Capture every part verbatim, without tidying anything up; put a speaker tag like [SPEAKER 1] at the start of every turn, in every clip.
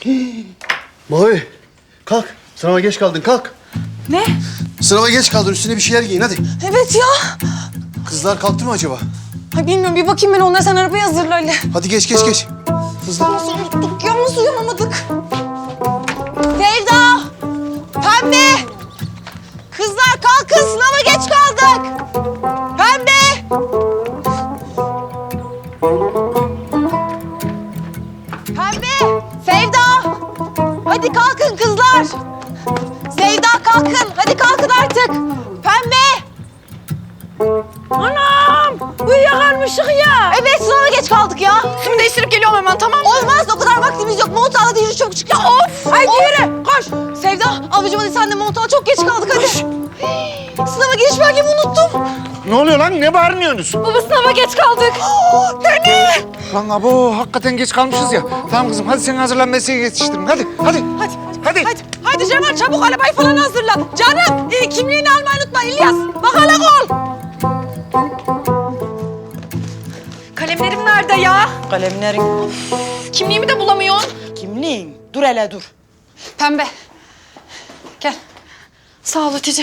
[SPEAKER 1] Mavi, kalk. Sınava geç kaldın, kalk.
[SPEAKER 2] Ne?
[SPEAKER 1] Sınava geç kaldın, üstüne bir şeyler giyin hadi.
[SPEAKER 2] Evet ya.
[SPEAKER 1] Kızlar kalktı mı acaba?
[SPEAKER 2] Ay bilmiyorum, bir bakayım ben onlara, sen arabayı hazırla Ali.
[SPEAKER 1] Hadi geç, geç, geç. Hızlı.
[SPEAKER 2] Nasıl unuttuk ya, nasıl uyanamadık? Sevda! Pembe! Kızlar kalkın, sınava geç kaldık. Pembe! Pembe! Sevda! Hadi kalkın kızlar. Sevda kalkın, hadi kalkın artık. Pembe! Anam! Uyuyakalmışık ya. Evet, sınava geç kaldık ya. Şimdi değiştirip geliyorum hemen, tamam mı? Olmaz, o kadar vaktimiz yok. Mont al, hadi yürü, çabuk çık. Ya of! Haydi of. Yürü, koş. Sevda, ablacığım hadi sen de mont al. Çok geç kaldık, hadi. Koş. Sınava giriş belgemi unuttum.
[SPEAKER 3] Ne oluyor lan? Ne bağırıyorsunuz?
[SPEAKER 2] Baba, sınava geç kaldık. Dene!
[SPEAKER 3] Lan abo, hakikaten geç kalmışız ya. Tamam kızım, hadi sen hazırlan, mesleğe yetiştirin. Hadi, hadi.
[SPEAKER 2] Hadi,
[SPEAKER 3] Hadi.
[SPEAKER 2] hadi. Hadi Cemal, çabuk arabayı falan hazırla. Canım, e, kimliğini almayı unutma İlyas. Bakalım ol. Kalemlerim nerede ya?
[SPEAKER 4] Kalemlerin,
[SPEAKER 2] Kimliğimi de bulamıyorsun.
[SPEAKER 4] kimliğin. Dur hele dur.
[SPEAKER 2] Pembe. Gel. Sağ ol Hatice.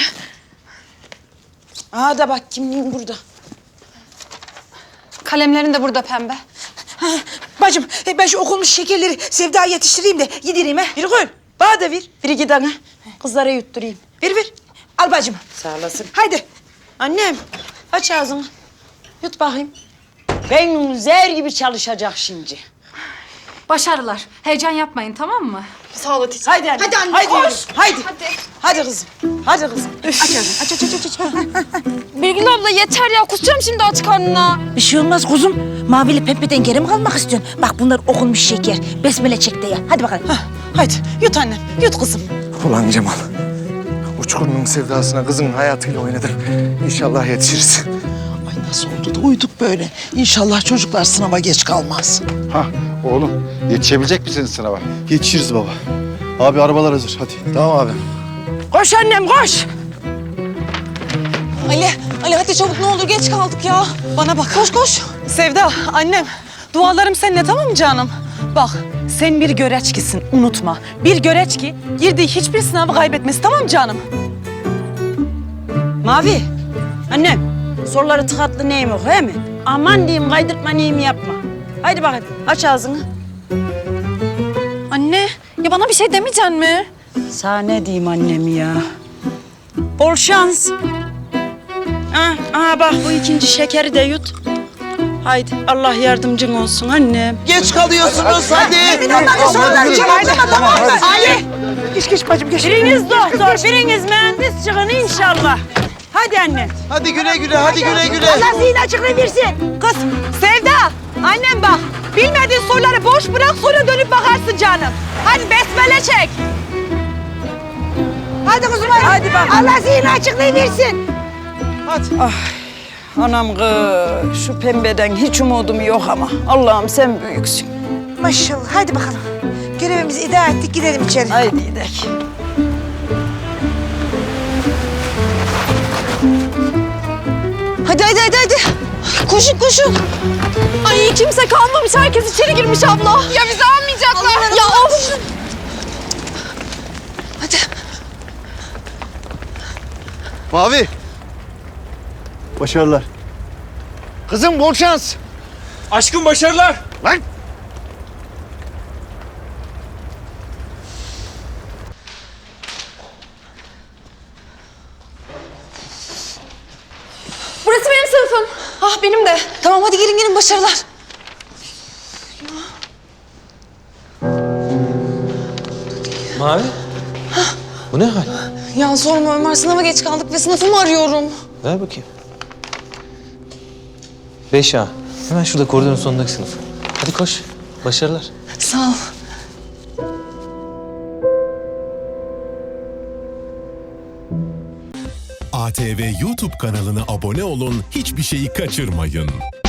[SPEAKER 4] Aha da bak, kimliğin burada.
[SPEAKER 2] Kalemlerin de burada Pembe.
[SPEAKER 4] Ha, bacım, e, ben şu okunmuş şekerleri Sevda'ya yetiştireyim de yedireyim ha. Bir koy. Bana da ver. Bir iki tane. Kızlara yutturayım. Ver ver. Al bacım. Sağ olasın. Haydi. Annem, aç ağzını. Yut bakayım. Beynin zer gibi çalışacak şimdi.
[SPEAKER 5] Başarılar. Heyecan yapmayın, tamam mı?
[SPEAKER 2] Sağ ol Hatice.
[SPEAKER 4] Haydi anne.
[SPEAKER 2] Hadi anne,
[SPEAKER 4] Haydi
[SPEAKER 2] koş.
[SPEAKER 4] yürü. Haydi.
[SPEAKER 2] Hadi.
[SPEAKER 4] Hadi kızım. Hadi kızım. Aç ağzını. Aç aç aç aç. aç.
[SPEAKER 2] Birgül abla yeter ya, kusacağım şimdi aç karnına.
[SPEAKER 6] Bir şey olmaz kuzum. Mavili pembeden geri mi kalmak istiyorsun? Bak bunlar okunmuş şeker. Besmele çek de ya. Hadi bakalım.
[SPEAKER 4] Hah, haydi yut annem. Yut kızım.
[SPEAKER 3] Ulan Cemal, uçkurunun sevdasına kızın hayatıyla oynadın. İnşallah yetişiriz.
[SPEAKER 7] Ay nasıl oldu da uyuduk böyle. İnşallah çocuklar sınava geç kalmaz.
[SPEAKER 8] Hah oğlum yetişebilecek misiniz sınava?
[SPEAKER 1] Yetişiriz baba. Abi arabalar hazır, hadi.
[SPEAKER 3] Tamam abi.
[SPEAKER 4] Koş annem koş.
[SPEAKER 2] Ali, Ali hadi çabuk, ne olur geç kaldık ya. Bana bak. Koş koş.
[SPEAKER 4] Sevda, annem. Dualarım seninle, tamam mı canım? Bak, sen bir göreçkisin, unutma. Bir göreçki, girdiği hiçbir sınavı kaybetmez, tamam mı canım? Mavi, annem. Soruları tıkatlı neyim yok, he mi? Aman diyeyim, kaydırtma neyim yapma. Haydi bakayım, aç ağzını.
[SPEAKER 2] Anne, ya bana bir şey demeyeceksin mi?
[SPEAKER 4] Sana ne diyeyim annem ya? Bol şans. Ha, aha bak bu ikinci şekeri de yut. Haydi, Allah yardımcın olsun annem.
[SPEAKER 7] Geç kalıyorsunuz hadi.
[SPEAKER 4] Ali! Geç geç bacım geç. Biriniz doktor, biriniz mühendis çıkın inşallah. Hadi anne.
[SPEAKER 7] Hadi güle güle, hadi güle güle.
[SPEAKER 4] Allah zihin açıklığı versin. Kız, Sevda, annem bak. Bilmediğin soruları boş bırak, sonra dönüp bakarsın canım. Hadi besmele çek. Hadi kuzum hadi. Hadi bak. Allah zihin açıklığı versin.
[SPEAKER 7] Hadi.
[SPEAKER 4] Ah, anam kız, şu pembeden hiç umudum yok ama. Allah'ım sen büyüksün.
[SPEAKER 6] Maşallah. Hadi bakalım. Görevimizi idare ettik. Gidelim içeri.
[SPEAKER 4] Haydi gidelim.
[SPEAKER 2] Hadi hadi hadi hadi. Koşun koşun. Ay kimse kalmamış, herkes içeri girmiş abla. Ya bizi almayacaklar. Ya of. Hadi.
[SPEAKER 1] Mavi. Başarılar.
[SPEAKER 3] Kızım bol şans.
[SPEAKER 9] Aşkım başarılar.
[SPEAKER 3] Lan!
[SPEAKER 2] Burası benim sınıfım. Ah benim de. Tamam hadi gelin gelin, başarılar.
[SPEAKER 9] Mavi. Bu ne hal?
[SPEAKER 2] Ya sorma Ömer, sınava geç kaldık ve sınıfımı arıyorum.
[SPEAKER 9] Ver bakayım. Beş A. Hemen şurada koridorun sonundaki sınıf. Hadi koş. Başarılar.
[SPEAKER 2] Sağ ol.
[SPEAKER 10] A T V YouTube kanalına abone olun, hiçbir şeyi kaçırmayın.